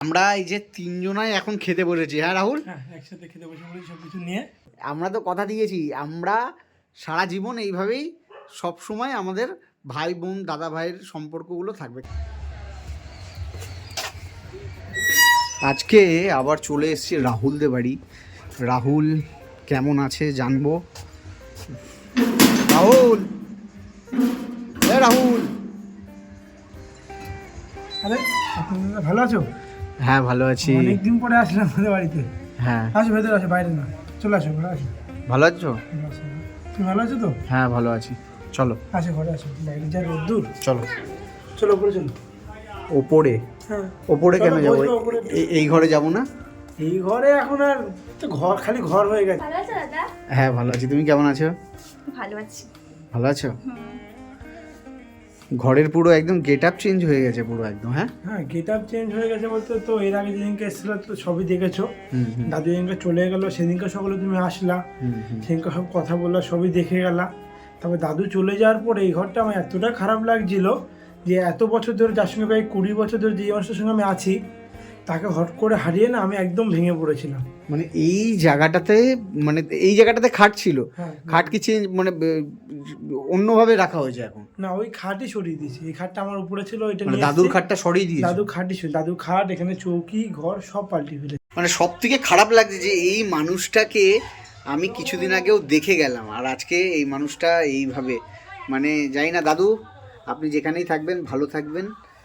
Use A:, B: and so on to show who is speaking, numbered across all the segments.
A: আমরা এই যে তিনজনাই এখন খেতে বসেছি, হ্যাঁ রাহুল?
B: হ্যাঁ, একসাথে খেতে বসে বলি সব কিছু নিয়ে।
A: আমরা তো কথা দিয়েছি আমরা সারা জীবন এইভাবেই সব সময় আমাদের ভাই বোন দাদা ভাইয়ের সম্পর্কগুলো থাকবে। আজকে আবার চলে এসেছি রাহুলদের বাড়ি। রাহুল কেমন আছে জানবো। রাহুল, রাহুল,
B: আরে আপনারা ভালো আছো?
A: হ্যাঁ ভালো আছি।
B: অনেকদিন পরে আসলাম আমাদের বাড়িতে।
A: হ্যাঁ
B: আসো ভেতরে, আসো, বাইরে না, চলে আসো, ঘরে আসো।
A: ভালো আছো?
B: ভালো আছো? তুমি ভালো আছো তো?
A: হ্যাঁ ভালো আছি, চলো
B: আসো ঘরে আসো, বাইরে যা রোদ্দুর।
A: চলো।
B: চলো উপরে চলো।
A: ওপরে?
B: হ্যাঁ
A: ওপরে কেন
B: চলো,
A: যাবো?
B: বসবো ওপরে।
A: এই ঘরে যাবো না?
B: এই ঘরে এখন আর তো ঘর, খালি ঘর হয়ে গেছে।
C: ভালো আছো দাদা?
A: হ্যাঁ ভালো আছি, তুমি কেমন আছো?
C: ভালো আছি।
A: ভালো আছো? ঘরের পুরো একদম গেট আপ চেঞ্জ হয়ে গেছে পুরো একদম। হ্যাঁ
B: হ্যাঁ, গেট আপ চেঞ্জ হয়ে গেছে বলতে তো এর আগে যেদিনকে এসেছিলো তো সবই দেখেছো। দাদু যেদিনকে চলে গেলো সেদিনকে সকালে তুমি আসলা, সেদিনকে সব কথা বললা, সবই দেখে গেলা। তবে দাদু চলে যাওয়ার পরে এই ঘরটা আমার এতটা খারাপ লাগছিল যে এত বছর ধরে যার সঙ্গে প্রায় 20 বছর ধরে যে মানুষের সঙ্গে আমি আছি তাকে হট করে হারিয়ে না আমি একদম ভেঙে পড়েছিলাম।
A: মানে এই জায়গাটাতে, মানে এই জায়গাটাতে খাট ছিল,
B: হ্যাঁ,
A: খাট কি চেঞ্জ মানে অন্যভাবে রাখা হয়েছে এখন?
B: না ওই খাটই সরিয়ে দিয়েছি, এই খাটটা আমার উপরে ছিল ওইটা
A: মানে
B: নিয়ে
A: দাদুর
B: এসেছি।
A: খাটটা সরিয়ে দিয়েছে?
B: দাদু খাটই ছিল, দাদু খাট, এখানে চৌকি, ঘর সব পাল্টে ফেলে।
A: মানে সব থেকে খারাপ লাগছে যে এই মানুষটাকে আমি কিছুদিন আগেও দেখে গেলাম আর আজকে এই মানুষটা এইভাবে, মানে জানি না দাদু আপনি যেখানেই থাকবেন ভালো থাকবেন।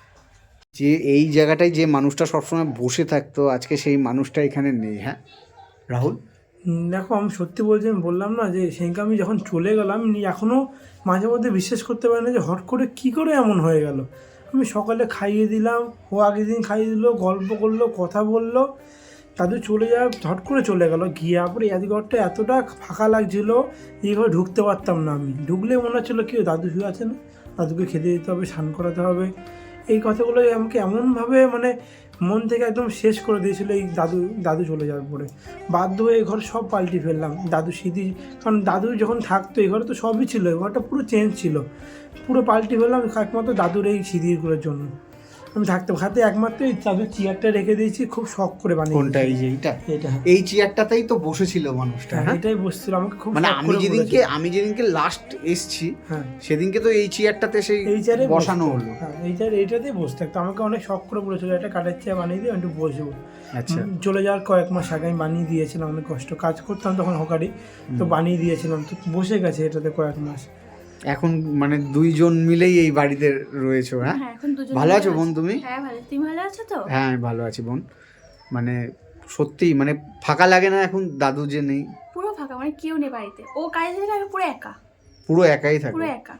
A: যে এই জায়গাটায় যে মানুষটা সবসময় বসে থাকতো আজকে সেই মানুষটা এখানে নেই। হ্যাঁ রাহুল,
B: দেখো আমি সত্যি বলছি, আমি বললাম না যে সেদিনকে আমি যখন চলে গেলাম এখনও মাঝে মধ্যে বিশ্বাস করতে পারি না যে হট করে কী করে এমন হয়ে গেল। আমি সকালে খাইয়ে দিলাম, ও আগের দিন খাইয়ে দিল, গল্প করলো, কথা বললো, দাদু চলে যায়, হট করে চলে গেল। গিয়ে পরে এই ঘরটা এতটা ফাঁকা লাগছিল, এই ঘরে ঢুকতে পারতাম না। আমি ঢুকলে মনে হচ্ছিলো কি দাদু শুয়ে আছে না, দাদুকে খেতে দিতে হবে, স্নান করাতে হবে। এই কথাগুলো আমাকে এমনভাবে মানে মন থেকে একদম শেষ করে দিয়েছিল এই দাদু চলে যাওয়ার পরে। বাধ্য হয়ে এই ঘর সব পাল্টে ফেললাম, দাদু স্মৃতি, কারণ দাদু যখন থাকতো এই ঘরে তো সবই ছিল, এই ঘরটা পুরো চেঞ্জ ছিল, পুরো পাল্টে ফেললাম একমাত্র দাদুর এই স্মৃতিগুলোর জন্য। আমি থাকতে খাতে একমাত্র এই দাদুর চেয়ারটা রেখে দিয়েছি, খুব শখ করে বানিয়ে।
A: কোনটা? এই যে এইটা?
B: এটা,
A: এই চেয়ারটাতেই তো বসেছিল মানুষটা। হ্যাঁ
B: এটাই বসছিল, আমাকে খুব
A: মানে
B: শখ করে বলেছিল।
A: আমি যেদিনকে লাস্ট এসছি
B: হ্যাঁ,
A: সেদিনকে তো এই চেয়ারটাতে সেই
B: এই চেয়ারে
A: বসানো হলো।
B: হ্যাঁ, এইটাতেই বসতে থাকতো। আমাকে অনেক শখ করে বলেছিল একটা কাঠের চেয়ার বানিয়ে দিয়ে একটু বসবো।
A: আচ্ছা,
B: চলে যাওয়ার কয়েক মাস আগে আমি বানিয়ে দিয়েছিলাম, অনেক কষ্ট কাজ করতাম তখন হকারি, তো বানিয়ে দিয়েছিলাম, তো বসে গেছে এটাতে কয়েক মাস।
A: এখন মানে দুইজন মিলেই এই বাড়িতে রয়েছো? হ্যাঁ
C: হ্যাঁ, এখন দুজন
A: ভালো
C: মিলে
A: আছো বোন তুমি?
C: হ্যাঁ ভালো। তুমি ভালো আছো তো?
A: হ্যাঁ আমি ভালো আছি বোন। মানে সত্যি মানে ফাঁকা লাগে না এখন দাদু যে নেই?
C: পুরো ফাঁকা, মানে কেউ নেই বাড়িতে। ও কাজে থেকে আমি পুরো একা,
A: পুরো একাই থাকে
C: পুরো একা।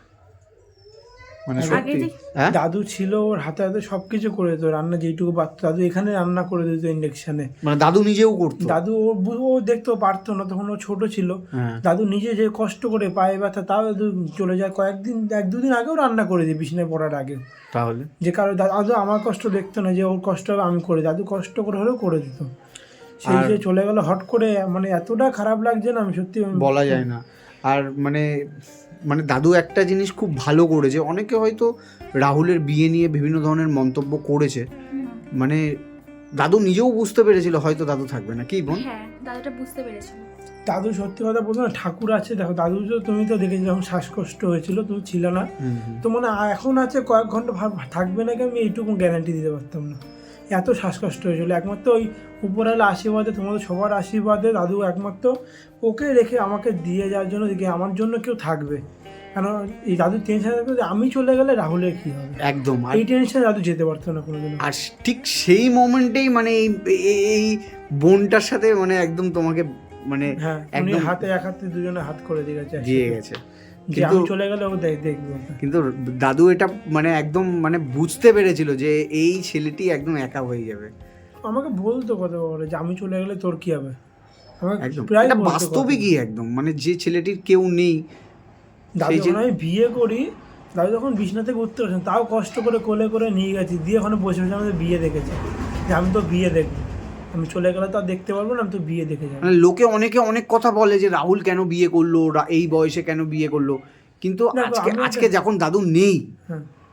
A: মানে
C: আগে
A: সত্যি।
C: যে-
A: হ্যাঁ
B: দাদু ছিল, ওর হাতে হাতে সব কিছু করে দিত, রান্না যেইটুকু পারতো দাদু এখানে রান্না করে দিত ইন্ডাকশানে।
A: মানে দাদু নিজেও করতো?
B: দাদু ও দেখতেও পারতো না, তখন ও ছোট ছিল।
A: হ্যাঁ
B: দাদু নিজে যে কষ্ট করে পায়ে ব্যথা, তাও দাদু চলে যায় কয়েকদিন, 1-2 দিন আগেও রান্না করে দিই বিছানায় পড়ার আগে।
A: তাহলে
B: যে কারো দাদু আমার কষ্ট দেখতো না, যে ওর কষ্ট হবে আমি করে, দাদু কষ্ট করে হলেও করে দিত। সেই যে চলে গেল হট করে, মানে এতটা খারাপ লাগছে না, আমি সত্যি
A: বলা যায় না। আর মানে মানে দাদু একটা জিনিস খুব ভালো করেছে, অনেকে হয়তো রাহুলের বিয়ে নিয়ে বিভিন্ন ধরনের মন্তব্য করেছে, মানে দাদু নিজেও বুঝতে পেরেছিল হয়তো দাদু থাকবে না, কি বোন?
C: হ্যাঁ, দাদুটা বুঝতে পেরেছিল।
B: দাদু সত্যি কথা বলতো না, ঠাকুর আছে। দেখো দাদু তো তুমি তো দেখেছি যখন শ্বাসকষ্ট হয়েছিল, তুমি ছিল না, তো মানে এখন আছে কয়েক ঘন্টা থাকবে নাকি আমি এইটুকু গ্যারান্টি দিতে পারতাম না, এত শ্বাসকষ্ট হয়েছিল। একমাত্র ওই উপরওয়ালা আশীর্বাদে, তোমাদের সবার আশীর্বাদে দাদু একমাত্র ওকে রেখে আমাকে দিয়ে যাওয়ার জন্য দেখে আমার জন্য কেউ থাকবে। কেন এই দাদু টেনশন থাকতো যে আমি চলে গেলে রাহুলের কী হবে,
A: একদম।
B: এই টেনশন দাদু যেতে পারতো না কোনোদিন।
A: আর ঠিক সেই মোমেন্টেই মানে এই বোনটার সাথে মানে একদম তোমাকে মানে
B: হ্যাঁ, উনি
A: একদম
B: হাতে এক হাতে দুজনে হাত করে দিয়ে গেছে,
A: দিয়ে গেছে।
B: যে আমি চলে গেলে ও দেখবে।
A: কিন্তু দাদু এটা মানে একদম মানে বুঝতে পেরেছিল যে এই ছেলেটি একদম একা হয়ে যাবে।
B: আমাকে বলতো কথা বলে যে আমি চলে গেলে তোর কি হবে, আমাকে
A: একদম
B: প্রায়
A: এটা
B: বলতো
A: বাস্তবিকই একদম, মানে যে ছেলেটির কেউ নেই।
B: দাদু যখন আমি বিয়ে করি, দাদু যখন বিছনা থেকে উঠতে পারছেন, তাও কষ্ট করে কোলে করে নিয়ে গেছি, দিয়ে ওখানে বসে বসে আমাদের বিয়ে দেখেছে, যে আমি তো বিয়ে দেখবো, আমি চলে গেলে তো আর দেখতে পারবো না, আমি তো বিয়ে দেখে যাবো।
A: মানে লোকে অনেকে অনেক কথা বলে যে রাহুল কেন বিয়ে করলো, এই বয়সে কেন বিয়ে করলো, কিন্তু
B: দেখো,
A: আজকে
B: আমি
A: আজকে যখন দাদু নেই
B: হ্যাঁ,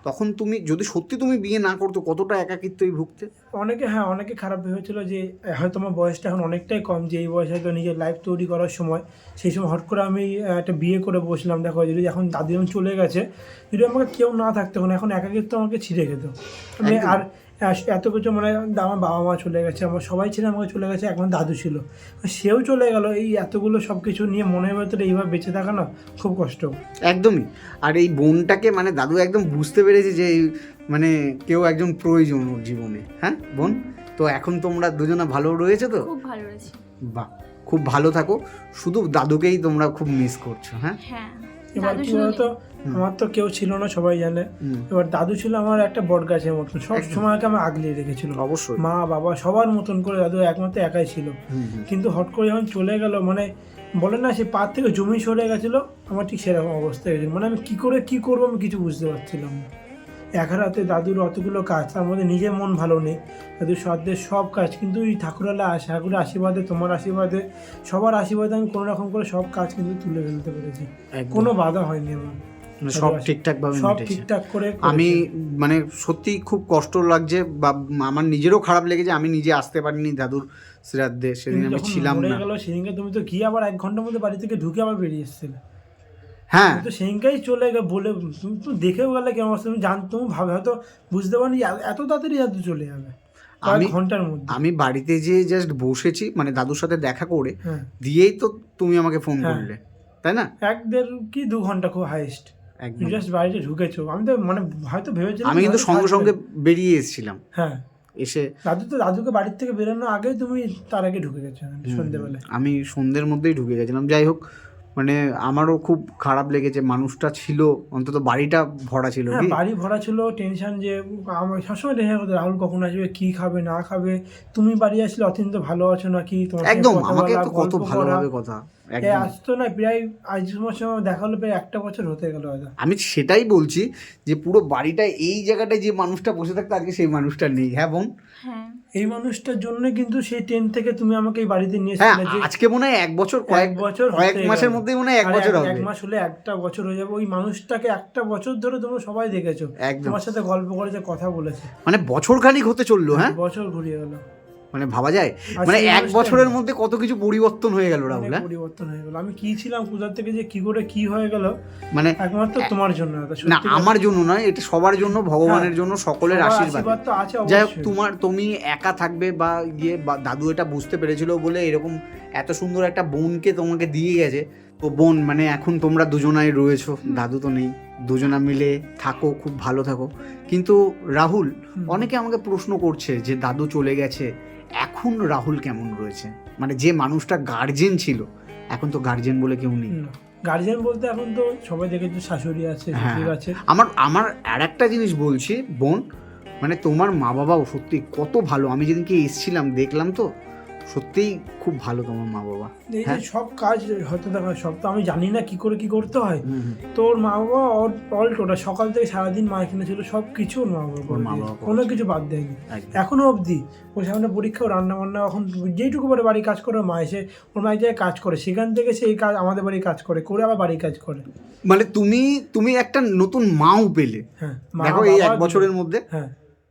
A: তখন তুমি যদি সত্যি তুমি বিয়ে না করতো কতটা একাকিত্বই ভুগতে?
B: অনেকে খারাপ ভেবেছিল যে হয়তো আমার বয়সটা এখন অনেকটাই কম, যে এই বয়সে হয়তো নিজের লাইফ তৈরি করার সময়, সেই সময় হট করে আমি একটা বিয়ে করে বসলাম। দেখো যদি এখন দাদি যখন চলে গেছে, যদি আমাকে কেউ না থাকতো এখন একাকিত্ব আমাকে ছিঁড়ে খেত। আমি
A: একদম।
B: আর এত কিছু মানে আমার বাবা মা চলে গেছে, আমার সবাই ছিল, আমাকে চলে গেছে, এখন দাদু ছিল, সেও চলে গেল, এই এতগুলো সব কিছু নিয়ে মনের ভেতরে এইভাবে বেঁচে থাকা না খুব কষ্ট।
A: একদমই। আর এই বোনটাকে মানে দাদু একদম বুঝতে পেরেছে যে মানে কেউ একজন প্রয়োজন ওর জীবনে। হ্যাঁ বোন, তো এখন তোমরা দুজনা ভালো রয়েছে তো?
C: খুব ভালো রয়েছে।
A: বাহ, খুব ভালো থাকো। শুধু দাদুকেই তোমরা খুব মিস করছো। হ্যাঁ,
C: হ্যাঁ,
B: এবার
C: দাদু
B: কি
C: শুনে
B: বলতো, আমার তো কেউ ছিল না, সবাই জানে। এবার দাদু ছিল আমার একটা বট গাছের মতন, সব সময়কে আমি আগলিয়ে রেখেছিল।
A: অবশ্যই।
B: মা বাবা সবার মতন করে দাদু একমাত্র একাই ছিল। কিন্তু হট করে যখন চলে গেল, মানে বলে না সে পার থেকে জমি সরে গেছিলো, আমার ঠিক সেরকম অবস্থা হয়েছিল। মানে আমি কি করবো আমি কিছু বুঝতে পারছিলাম না। এক রাতে দাদুর অতগুলো কাজ, তার মধ্যে নিজের মন ভালো নেই, দাদুর সাধ্যের সব কাজ, কিন্তু এই ঠাকুরের আশীর্বাদে, তোমার আশীর্বাদে, সবার আশীর্বাদে আমি কোনো রকম করে সব কাজ কিন্তু তুলে ফেলতে পেরেছি। কোনো বাধা হয়নি আমার,
A: সব ঠিকঠাক ভাবে
B: সব
A: মিটেছে।
B: ঠিকঠাক করে
A: আমি মানে সত্যি খুব কষ্ট লাগছে, বা আমার নিজেরও খারাপ লেগেছে, আমি নিজে আসতে পারিনি দাদুর শ্রাদ্ধে, সেদিন আমি ছিলাম না।
B: গেল সেদিনকে, তুমি তো গিয়ে আবার 1 ঘন্টার মধ্যে বাড়ি থেকে ঢুকে আবার বেরিয়ে এসেছিলে।
A: হ্যাঁ,
B: তো সেদিনকেই চলে গেলে বলে, তুমি তো দেখেও গেলে কেমন অবস্থা, তুমি তুমি ভাবে হয়তো বুঝতে পারি এত তাড়াতাড়ি দাদু চলে যাবে
A: আমি
B: ঘন্টার মধ্যে।
A: আমি বাড়িতে যে জাস্ট বসেছি, মানে দাদুর সাথে দেখা করে
B: হ্যাঁ,
A: দিয়েই তো তুমি আমাকে ফোন করলে, তাই না?
B: 1-1.5-2 ঘন্টা খুব হাইস্ট,
A: একদম।
B: জাস্ট বাড়িতে ঢুকেছো। আমি তো মানে হয়তো ভেবেছিলাম,
A: আমি কিন্তু সঙ্গে সঙ্গে বেরিয়ে এসেছিলাম।
B: হ্যাঁ,
A: এসে
B: দাদুকে বাড়ির থেকে বেরোনোর আগে তুমি তার আগে ঢুকে গেছো সন্ধ্যেবেলায়।
A: আমি সন্ধ্যের মধ্যেই ঢুকে গেছিলাম। যাই হোক, মানে আমারও খুব খারাপ লেগেছে, মানুষটা ছিল, অন্তত বাড়িটা ভরা ছিল।
B: হ্যাঁ,
A: কি
B: বাড়ি ভরা ছিল, টেনশন, যে আমার সবসময় টেনশন করতে রাহুল কখন আসবে, কি খাবে না খাবে, তুমি বাড়ি আসলে অত্যন্ত ভালো আছো নাকি, তোমার সঙ্গে
A: একদম,
B: কথা
A: আমাকে
B: বলা,
A: তো কত
B: গল্প
A: ভালোভাবে
B: করা।
A: কথা।
B: এই
A: একদম,
B: আসতো না প্রায়, আজ তোমার সঙ্গে দেখা হলো প্রায় 1টা বছর হতে গেল হয়তো।
A: আমি সেটাই বলছি যে পুরো বাড়িটা, এই জায়গাটায় যে মানুষটা বসে থাকতো আজকে সেই মানুষটা নেই। হ্যাঁ বোন,
C: হ্যাঁ,
B: এই মানুষটার জন্য কিন্তু সেই 10 থেকে তুমি আমাকে এই বাড়িতে নিয়ে
A: হ্যাঁ,
B: এসেছিলে, যে
A: আজকে মনে হয় 1 বছর,
B: কয়েক বছর
A: কয়েক
B: হতে
A: মাসের
B: গেল।
A: মধ্যেই মনে হয় 1
B: আর
A: বছর হবে।
B: 1 মাস হলে 1টা বছর হয়ে যাবে। ওই মানুষটাকে 1টা বছর ধরে তোমরা সবাই দেখেছো,
A: একদম।
B: তোমার সাথে গল্প করেছে, কথা বলেছে,
A: মানে বছর খানিক হতে চললো। হ্যাঁ,
B: বছর ঘুরিয়ে গেল।
A: মানে ভাবা যায়,
B: আর
A: মানে
B: সেই
A: 1
B: মানুষটাই
A: বছরের মধ্যে কত কিছু পরিবর্তন হয়ে গেল রাহুল।
B: অনেক
A: হ্যাঁ,
B: পরিবর্তন হয়ে গেল। আমি কি ছিলাম কোথা থেকে যে কি করে কি হয়ে গেল,
A: মানে
B: একমাত্র তোমার জন্য।
A: না, আমার জন্য নয়, এটা সবার জন্য, ভগবানের জন্য, সকলের আশীর্বাদ।
B: তো আছে
A: যাই হোক,
B: অবশ্যই।
A: তুমি একা থাকবে বা দাদু এটা বুঝতে পেরেছিল বলে এরকম এত সুন্দর একটা বোনকে তোমাকে দিয়ে গেছে। তো বোন, মানে এখন তোমরা দুজনাই রয়েছো, দাদু তো নেই, দুজনা মিলে থাকো, খুব ভালো থাকো। কিন্তু রাহুল, অনেকে আমাকে প্রশ্ন করছে যে দাদু চলে গেছে, এখন রাহুল কেমন রয়েছে? মানে যে মানুষটা গার্জেন ছিল, এখন তো গার্জেন বলে কেউ নেই।
B: গার্জিয়ান বলতে এখন তো সবাই দেখেছো, শাশুড়ি আছে, শ্বশুর আছে।
A: আমার আর একটা জিনিস বলছি বোন, মানে তোমার মা বাবাও সত্যি কত ভালো। আমি যেদিনকে এসেছিলাম দেখলাম তো, সত্যিই খুব ভালো তোমার মা বাবা।
B: এই যে সব কাজ হয়তো দেখো, সব তো আমি জানি না কি করে কি করতে হয়।
A: হুম,
B: তোর মা বাবা অল টোটাল সকাল থেকে সারাদিন মা এখানে ছিল, সব কিছু ওর মা বাবা করে
A: মা বাবা
B: দিয়েছে, কোনো কিছু বাদ দেয়নি।
A: একদম।
B: এখনো অবধি ওর সামনে পরীক্ষা, রান্না বান্না, এখন যেইটুকু পারে বাড়ির কাজ করে, মা এসে ওর মায়ের জায়গায় কাজ করে, সেখান থেকে সেই কাজ আমাদের বাড়ির কাজ করে আবার বাড়ির কাজ করে।
A: মানে তুমি একটা নতুন মাও পেলে।
B: হ্যাঁ,
A: দেখো এই 1 বছরের মধ্যে।
B: হ্যাঁ,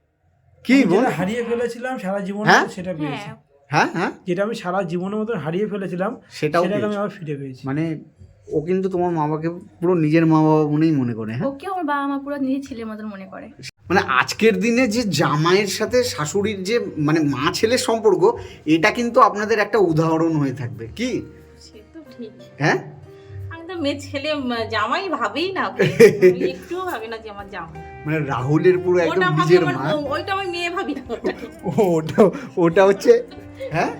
A: কি বোন,
B: হারিয়ে ফেলেছিলাম সারা জীবন,
A: হ্যাঁ?
B: সেটা পেয়েছি।
A: হ্যাঁ হ্যাঁ,
B: যেটা আমি সারা জীবনের মতন হারিয়ে ফেলেছিলাম,
A: সেটাও
B: সেটাকে আমি
A: পেয়েছো।
B: আবার ফিরে পেয়েছি।
A: মানে ও কিন্তু তোমার মা বাবাকে পুরো নিজের মা বাবা মনেই মনে করে। হ্যাঁ,
C: ওকে আমার বাবা মা পুরো নিজের ছেলের মতন মনে করে।
A: মানে আজকের দিনে যে জামাইয়ের সাথে শাশুড়ির যে মানে মা ছেলের সম্পর্ক, এটা কিন্তু আপনাদের একটা উদাহরণ হয়ে থাকবে। কি
D: সে তো ঠিক।
A: হ্যাঁ,
D: আমি তো মেয়ে ছেলে জামাই ভাবেই না, আমি একটুও ভাবি না যে আমার জামাই।
A: মানে রাহুলের পুরো একদম
D: ওটা ভাবি
A: নিজের
D: আমার
A: মা।
D: ওইটা আমি মেয়ে ভাবি না,
A: ওটা ওটা হচ্ছে, হ্যাঁ,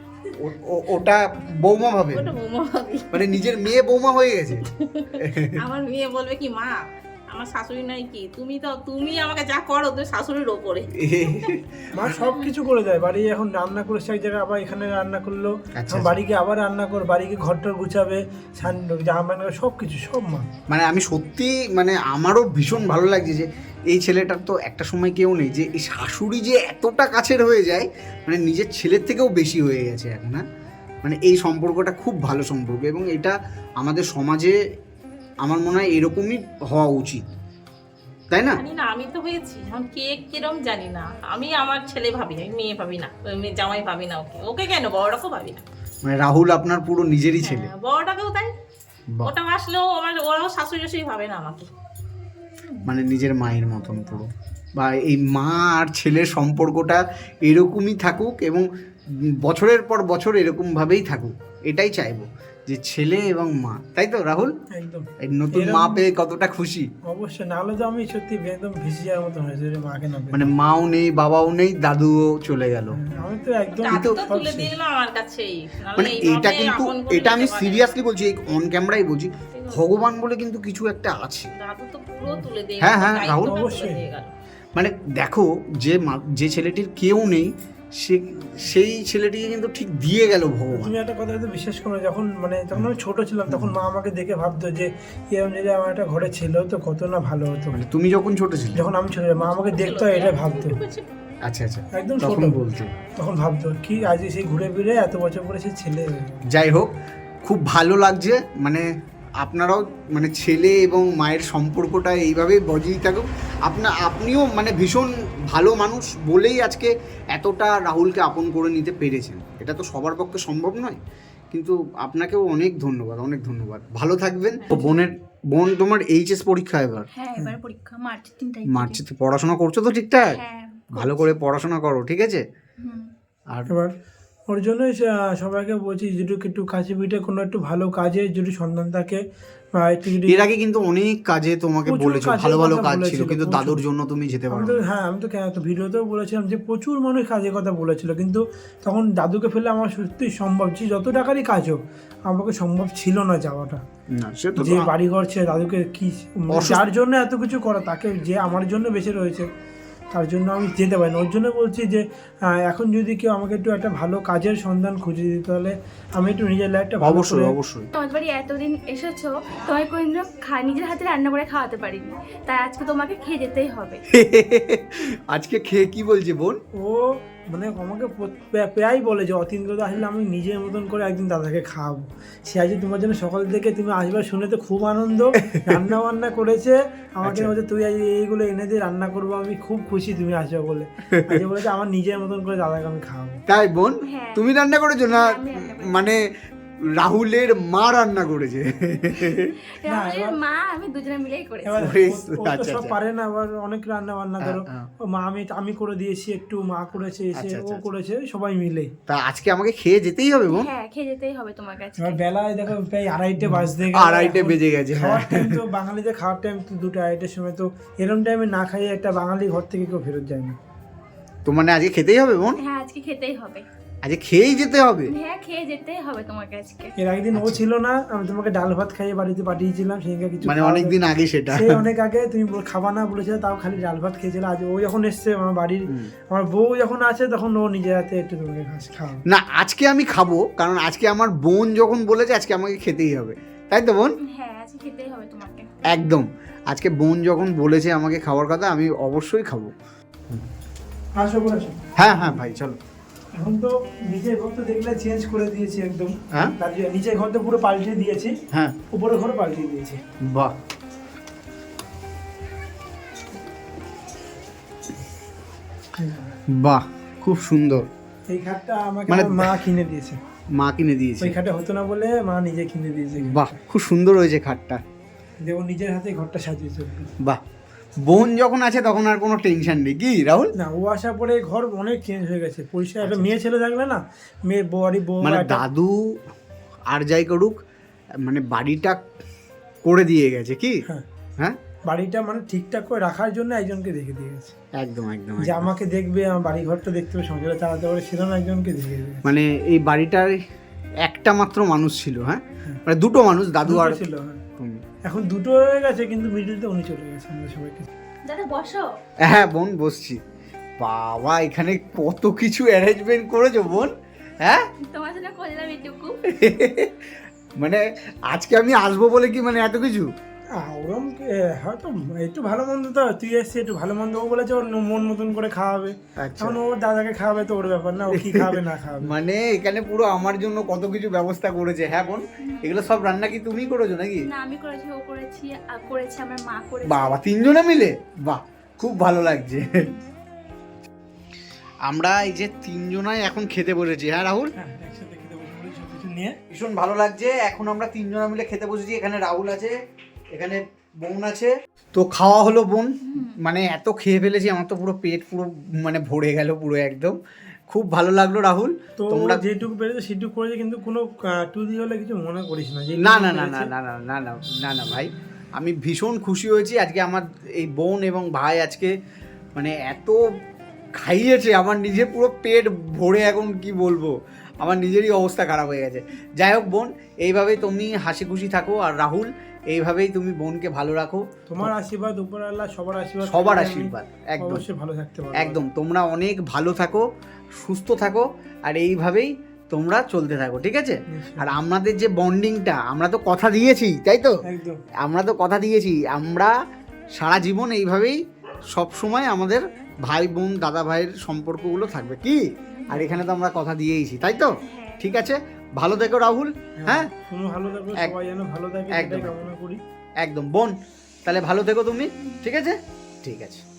A: ওটা বৌমা ভাবে,
D: ওটা বৌমা ভাবি।
A: মানে নিজের মেয়ে বৌমা হয়ে গেছে।
D: আমার মেয়ে বলবে কি, মা আমার শাশুড়ি নাই কি, তুমি আমাকে যা করো তুমি শাশুড়ির ওপরে।
B: মা সব কিছু করে দেয়। বাড়ি এখন রান্না করেছে এক জায়গায়, আবার এখানে রান্না করলো,
A: আচ্ছা,
B: বাড়িকে আবার রান্না করে, বাড়িকে ঘরটার গুছাবে, জামা সব কিছু, সব মা।
A: মানে আমি সত্যি, মানে আমারও ভীষণ ভালো লাগছে যে এই ছেলেটার তো একটা সময় কেউ নেই, যে এই শাশুড়ি যে এতটা কাছের হয়ে যায়, মানে নিজের ছেলের থেকেও বেশি হয়ে গেছে এখন। হ্যাঁ, মানে এই সম্পর্কটা খুব ভালো সম্পর্ক, এবং এটা আমাদের সমাজে আমার মনে হয় এরকমই হওয়া উচিত, তাই না?
D: জানি না, আমি তো হয়েছি এখন কে কিরম জানি না। আমি আমার ছেলে ভাবি, আমি মেয়ে ভাবি না, মেয়ে জামাই ভাবি না, ওকে ওকে কেন বড়টাকেও ভাবি না।
A: মানে রাহুল আপনার পুরো নিজেরই ছেলে।
D: হ্যাঁ, বড়টাকেও তাই।
A: বাহ।
D: ওটা আসলেও আমার ওরাও শাশুড়ি শাশুড়ি ভাবে না আমাকে।
A: মানে নিজের মায়ের মতন পুরো। বা এই মা আর ছেলের সম্পর্কটা এরকমই থাকুক এবং বছরের পর বছর এরকমভাবেই থাকুক, এটাই চাইবো যে ছেলে এবং মা। তাই তো রাহুল?
B: একদম
A: এই নতুন মা পেয়ে কতটা খুশি।
B: অবশ্যই, না হলে তো আমি সত্যি একদম ভেসে যাওয়ার মতো হয়েছে যে মাকে না পেয়ে।
A: মানে মাও নেই, বাবাও নেই, দাদুও চলে গেল।
B: আমি তো একদম
D: দাদু তো
B: সব
D: তুলে
B: শেষ।
D: দিল আমার কাছেই।
A: মানে এটা কিন্তু, এটা আমি সিরিয়াসলি বলছি, অন ক্যামেরাই বলছি, ভগবান বলে কিন্তু কিছু একটা আছে।
D: দাদু তো পুরো তুলে দিয়ে
A: হ্যাঁ,
D: গেল,
A: হ্যাঁ,
D: দায়িত্বটা
A: রাহুল।
D: তুলে
B: অবশ্যই।
D: দিয়ে গেল।
A: মানে দেখো যে ছেলেটির কেউ নেই, সেই ছেলেটিকে কিন্তু ঠিক দিয়ে গেল ভগবান।
B: তুমি একটা কথা হয়তো বিশ্বাস করো, যখন যখন আমি ছোট ছিলাম তখন মা আমাকে দেখে ভাবতো যে এরকম যদি আমার একটা ঘরে ছিল তো কত না ভালো হতো।
A: মানে তুমি যখন ছোট ছিলে?
B: যখন আমি ছোট ছিলাম মা আমাকে দেখতো আর এটা ভাবতো।
A: আচ্ছা আচ্ছা,
B: একদম
A: তখন
B: ছোট
A: বলতে।
B: তখন ভাবতো কি আজ সেই ঘুরে ফিরে এত বছর পরে সে ছেলে হয়ে গেল।
A: যাই হোক, খুব ভালো লাগছে। মানে আপনারাও মানে ছেলে এবং মায়ের সম্পর্কটা এইভাবেই বজায় থাকুক। আপনিও মানে ভীষণ ভালো মানুষ বলেই আজকে এতটা রাহুলকে আপন করে নিতে পেরেছেন। এটা তো সবার পক্ষে সম্ভব নয়, কিন্তু আপনাকেও অনেক ধন্যবাদ, অনেক ধন্যবাদ। ভালো থাকবেন। তো বোন তোমার এইচএস পরীক্ষা এবার?
C: হ্যাঁ, এবার পরীক্ষা মার্চের 3 তারিখ।
A: মার্চে পড়াশোনা করছো তো ঠিকঠাক?
C: হ্যাঁ,
A: ভালো করে পড়াশোনা করো, ঠিক আছে?
C: হুম।
A: আর
B: এবার ওর জন্যই সবাইকে বলছি যদি একটু কাছে পিঠে কোনো একটু ভালো কাজে যদি সন্ধান থাকে বা একটু যদি
A: এর আগে কিন্তু অনেক কাজে তোমাকে
B: প্রচুর
A: বলেছো,
B: কাজের
A: ভালো ভালো
B: কথা
A: কাজ ছিল,
B: বলেছিল,
A: কিন্তু
B: প্রচুর।
A: দাদুর জন্য তুমি যেতে পারো
B: আমি তো আমি তো কেন তো ভিডিওতেও বলেছিলাম যে প্রচুর মানুষ কাজের কথা বলেছিল, কিন্তু তখন দাদুকে ফেলে আমার সত্যি সম্ভব যে যত টাকারই কাজ হোক আমাকে সম্ভব ছিল না যাওয়াটা।
A: না, সে তো
B: যে বাড়ি ঘর ছেড়ে দাদুকে কি
A: অসুস্থ-
B: যার জন্য এত কিছু করা তাকে যে আমার জন্য বেঁচে রয়েছে তার জন্য আমি যেতে পারি না। ওর জন্য বলছি যে এখন যদি কেউ আমাকে একটু একটা ভালো কাজের সন্ধান খুঁজে দিতে, তাহলে আমি একটু নিজের লাইফটা ভালো
A: অবশ্যই
B: করে
A: অবশ্যই।
C: তোমার বাড়ি এতদিন এসেছো, তোমায় কোনদিন নিজের হাতে রান্না করে খাওয়াতে পারিনি, তাই আজকে তোমাকে খেয়ে যেতেই হবে।
A: আজকে খেয়ে কি বলছে বোন?
B: ও আমাকে প্রায় বলে যে অতীন্দ্রদা আসলে আমি নিজের মতন করে একদিন দাদাকে খাওয়াবো। সে আজ তোমার জন্য সকাল থেকে তুমি আসবার শুনে তো খুব আনন্দ, রান্না বান্না করেছে আমাকে
A: আচ্ছা।
B: বলছে তুই আজ এইগুলো এনে দিয়ে রান্না করবো, আমি খুব খুশি তুমি আসবে বলে। আজ বলেছে আমার নিজের মতন করে দাদাকে আমি খাওয়াবো।
A: তাই বোন?
C: হ্যাঁ।
A: তুমি রান্না করেছো না?
C: হ্যাঁ, আমি রান্না করেছি।
A: মানে রাহুলের মা রান্না করেছে?
C: রাহুলের মা আমি দুজনে মিলেই করেছি।
B: এবার
A: বেশ,
B: ও তো
A: আচ্ছা,
B: সব
A: আচ্ছা।
B: পারে না, আবার অনেক রান্না বান্না ধরো
A: হ্যাঁ।
B: ও মা আমি করে দিয়েছি একটু, মা করেছে এসে
A: আচ্ছা,
B: ও
A: আচ্ছা,
B: করেছে সবাই মিলে।
A: তা আজকে আমাকে খেয়ে যেতেই হবে বোন?
C: হ্যাঁ, খেয়ে যেতেই হবে তোমার কাছে।
B: এবার বেলায় দেখো প্রায় 2:30 বাজতে গেল।
A: 2:30 বেজে গেছে, হ্যাঁ।
B: খাওয়ার টাইম তো বাঙালিদের খাওয়ার টাইম তো 2:30 সময়, তো এরকম টাইমে না খাইয়ে একটা বাঙালি ঘর থেকে কেউ ফেরত যায় না।
A: তো মানে আজকে খেতেই হবে বোন?
C: হ্যাঁ, আজকে খেতেই হবে।
A: আজকে খেয়েই যেতে হবে?
C: হ্যাঁ, খেয়ে যেতেই হবে তোমাকে আজকে।
B: এর আগের ও ছিল না, আমি তোমাকে ডাল ভাত খাইয়ে বাড়িতে পাঠিয়েছিলাম, সেদিনকে কিছু
A: মানে
B: খাওয়া
A: অনেকদিন আগে সেটা?
B: সে অনেক আগে তুমি খাবা না বলেছিলে, তাও খালি ডাল ভাত খেয়েছিল। আজ ও যখন এসছে আমার বাড়ির, আমার বউ যখন আছে তখন ও নিজের হাতে একটু তোমাকে খাওয়া।
A: না, আজকে আমি খাবো, কারণ আজকে আমার বোন যখন বলেছে আজকে আমাকে খেতেই হবে, তাই তো বোন?
C: হ্যাঁ, আজকে খেতেই হবে তোমাকে।
A: একদম, আজকে বোন যখন বলেছে আমাকে খাওয়ার কথা, আমি অবশ্যই খাবো।
B: আসো বলে আসো।
A: হ্যাঁ হ্যাঁ ভাই, চলো।
B: এখন তো নিজের ঘর তো দেখলে চেঞ্জ করে দিয়েছি একদম।
A: হ্যাঁ
B: নিজের ঘর তো পুরো পাল্টে দিয়েছি,
A: হ্যাঁ,
B: উপরের ঘর পাল্টে দিয়েছি।
A: বাহ, বাহ, খুব সুন্দর।
B: এই খাটটা আমাকে
A: মানে
B: আমার মা কিনে দিয়েছে,
A: মা কিনে দিয়েছে?
B: ওই খাটে হতো না বলে মা নিজে কিনে দিয়েছে।
A: বাহ, খুব সুন্দর হয়েছে খাটটা।
B: দেখো নিজের হাতে ঘরটা সাজিয়েছে।
A: বাহ, বোন যখন আছে তখন আর কোনো টেনশন নেই, কি রাহুল?
B: না, ও আসার পরে ঘর অনেক চেঞ্জ হয়ে গেছে, পরিষ্কার। একটা মেয়ে ছেলে থাকলে না, মেয়ে বউ
A: মানে দাদু আর যাই করুক, মানে বাড়িটা করে দিয়ে গেছে কি?
B: হ্যাঁ,
A: হ্যাঁ,
B: বাড়িটা ঠিকঠাক করে রাখার জন্য একজনকে দেখে দিয়ে গেছে,
A: একদম একদম
B: যে
A: একদম।
B: আমাকে দেখবে, আমার বাড়ি ঘরটা দেখতে হবে, সংসারটা চালাতে পারে, সেরকম একজনকে দেখে দিয়ে গেছে।
A: মানে এই বাড়িটার একটা মাত্র মানুষ ছিল, হ্যাঁ? মানে দুটো মানুষ, দাদু আর
B: দুটো ছিল, হ্যাঁ।
A: তুমি।
B: এখন দুটো হয়ে গেছে, কিন্তু মিডিলতে উনি চলে গেছে আমাদের সবাইকে।
C: দাদা বসো।
A: হ্যাঁ বোন, বসছি। বাবা, এখানে কত কিছু অ্যারেঞ্জমেন্ট করেছো বোন, হ্যাঁ?
C: তোমার জন্য করলাম এটুকু।
A: মানে আজকে আমি আসবো বলে কি মানে এত কিছু?
B: ওরম হয়তো একটু ভালো মন্দ তো তুই এসছি একটু ভালো মন্দ ও বলেছে ওর মন মতন করে খাওয়াবে,
A: আচ্ছা
B: এখন ওর দাদাকে খাওয়াবে তো ওর ব্যাপার না, ও কি খাবে না খাবে।
A: মানে এখানে পুরো আমার জন্য কত কিছু ব্যবস্থা করেছে। হ্যাঁ বোন, এগুলো সব রান্না কি তুমি করেছো নাকি?
C: না আমি করেছি, ও করেছি, করেছে আমার মা করেছে।
A: বাবা, তিনজনে মিলে? বাহ, খুব ভালো লাগছে। আমরা এই যে তিনজনাই এখন খেতে বসেছি। হ্যাঁ রাহুল,
B: হ্যাঁ একসাথে খেতে বসে পড়ি সব কিছু নিয়ে।
A: ভীষণ ভালো লাগছে। এখন আমরা তিনজনা মিলে খেতে বসেছি। এখানে রাহুল আছে, এখানে বোন আছে। তো খাওয়া হলো বোন, মানে এত খেয়ে ফেলেছি আমার তো পুরো পেট পুরো মানে ভরে গেল পুরো একদম। খুব ভালো লাগলো রাহুল।
B: তো
A: তোমরা
B: যেটুকু পেরেছে সেটুকু করেছে, কিন্তু কোনো টুদি হলে কিছু মনে করিস না যে
A: না না না না না না না না না না ভাই, আমি ভীষণ খুশি হয়েছি আজকে। আমার এই বোন এবং ভাই আজকে মানে এত খাইয়েছে, আমার নিজে পুরো পেট ভরে, এখন কি বলবো, আমার নিজেরই অবস্থা খারাপ হয়ে গেছে। যাই হোক বোন, এইভাবেই তুমি হাসি খুশি থাকো, আর রাহুল এইভাবেই তুমি বোনকে ভালো রাখো।
B: তোমার আশীর্বাদ, উপরওয়ালা সবার আশীর্বাদ,
A: সবার
B: থাকলে আমি
A: আশীর্বাদ, একদম
B: অবশ্যই ভালো থাকতে পারবো।
A: একদম। তোমরা অনেক ভালো থাকো, সুস্থ থাকো, আর এইভাবেই তোমরা চলতে থাকো, ঠিক আছে? আর আমাদের যে বন্ডিংটা, আমরা তো কথা দিয়েছি, তাই তো?
B: একদম
A: আমরা তো কথা দিয়েছি, আমরা সারা জীবন এইভাবেই সব সময় আমাদের ভাই বোন দাদা ভাইয়ের সম্পর্কগুলো থাকবে, কি? আর এখানে তো আমরা কথা দিয়েইছি, তাই তো? ঠিক আছে, ভালো থেকো রাহুল। হ্যাঁ
B: তুমি ভালো থাকো, সবাই যেন ভালো থাকে
A: একদম।
B: এটাই কামনা করি।
A: একদম বোন, তাহলে ভালো থেকো তুমি, ঠিক আছে? ঠিক আছে।